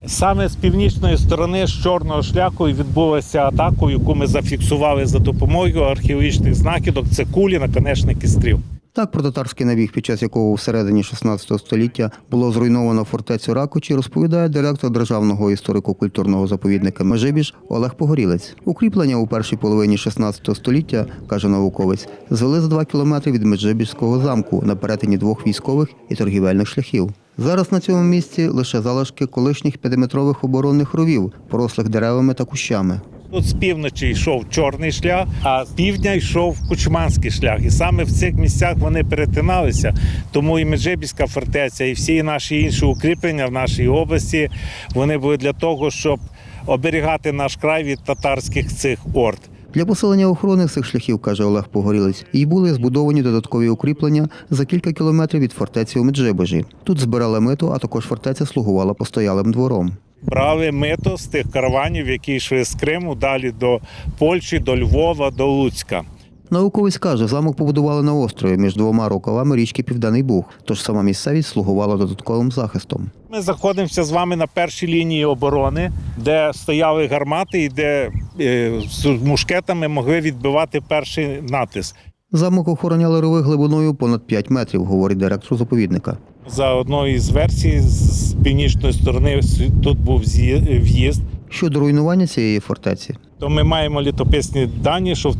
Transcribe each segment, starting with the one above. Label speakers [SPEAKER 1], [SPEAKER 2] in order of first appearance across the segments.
[SPEAKER 1] Саме з північної сторони, з чорного шляху, відбулася атака, яку ми зафіксували за допомогою археологічних знахідок. Це кулі, наконечники стріл.
[SPEAKER 2] Так, про татарський набіг, під час якого у середині 16 століття було зруйновано фортецю Ракочі, розповідає директор Державного історико-культурного заповідника Межибіж Олег Погорілець. Укріплення у першій половині 16 століття, каже науковець, звели за 2 кілометри від Меджибіжського замку на перетині 2 військових і торгівельних шляхів. Зараз на цьому місці лише залишки колишніх 5-метрових оборонних ровів, порослих деревами та кущами.
[SPEAKER 1] Тут з півночі йшов чорний шлях, а з півдня йшов кучманський шлях. І саме в цих місцях вони перетиналися. Тому і Меджибіжська фортеця, і всі наші інші укріплення в нашій області, вони були для того, щоб оберігати наш край від татарських цих орд.
[SPEAKER 2] Для посилення охорони цих шляхів, каже Олег Погорілець, і були збудовані додаткові укріплення за кілька кілометрів від фортеці у Меджибіжі. Тут збирали мито, а також фортеця слугувала постоялим двором.
[SPEAKER 1] Брали мито з тих караванів, які йшли з Криму, далі до Польщі, до Львова, до Луцька.
[SPEAKER 2] Науковець каже, замок побудували на острові між 2 рукавами річки Південний Буг, тож сама місцевість слугувала додатковим захистом.
[SPEAKER 1] Ми знаходимося з вами на першій лінії оборони, де стояли гармати і де з мушкетами могли відбивати перший натиск.
[SPEAKER 2] Замок охороняли рови глибиною понад 5 метрів, говорить директор заповідника.
[SPEAKER 1] За одною із версій, з північної сторони тут був в'їзд.
[SPEAKER 2] Щодо руйнування цієї фортеці,
[SPEAKER 1] То ми маємо літописні дані, що в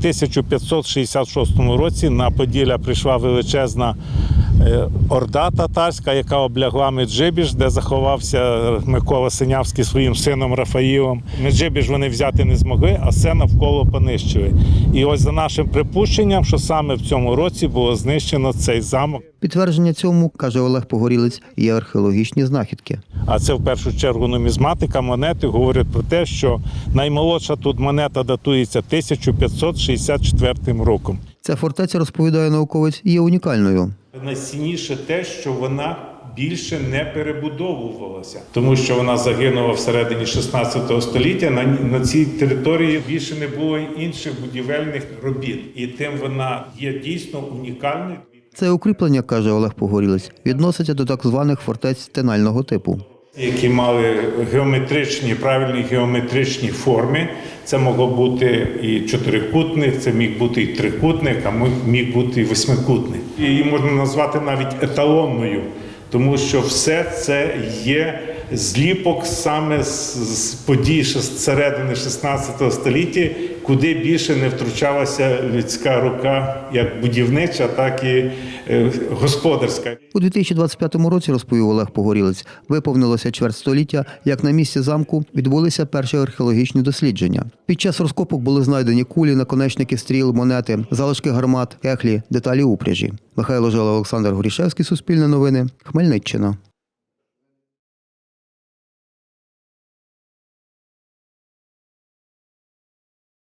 [SPEAKER 1] 1566 році на Поділля прийшла величезна орда татарська, яка облягла Меджибіж, де заховався Микола Синявський своїм сином Рафаїлом. Меджибіж вони взяти не змогли, а все навколо понищили. І ось за нашим припущенням, що саме в цьому році було знищено цей замок.
[SPEAKER 2] підтвердження цьому, каже Олег Погорілець, є археологічні знахідки.
[SPEAKER 1] А це в першу чергу нумізматика, монети говорять про те, що наймолодша тут монета датується 1564 роком.
[SPEAKER 2] Ця фортеця, розповідає науковець, є унікальною.
[SPEAKER 1] Найцінніше те, що вона більше не перебудовувалася, тому що вона загинула всередині 16 століття. На цій території більше не було інших будівельних робіт. І тим вона є дійсно унікальною.
[SPEAKER 2] Це укріплення, каже Олег Погорілець, відноситься до так званих фортець тенального типу.
[SPEAKER 1] Які мали геометричні, правильні геометричні форми. Це могло бути і чотирикутник, це міг бути і трикутник, а міг бути і восьмикутник. Її можна назвати навіть еталонною, тому що все це є зліпок саме з подій з середини 16 століття, куди більше не втручалася людська рука, як будівнича, так і господарська.
[SPEAKER 2] У 2025 році, розповів Олег Погорілець, виповнилося чверть століття, як на місці замку відбулися перші археологічні дослідження. Під час розкопок були знайдені кулі, наконечники стріл, монети, залишки гармат, кехлі, деталі упряжі. Михайло Жила, Олександр Горішевський, Суспільне новини, Хмельниччина.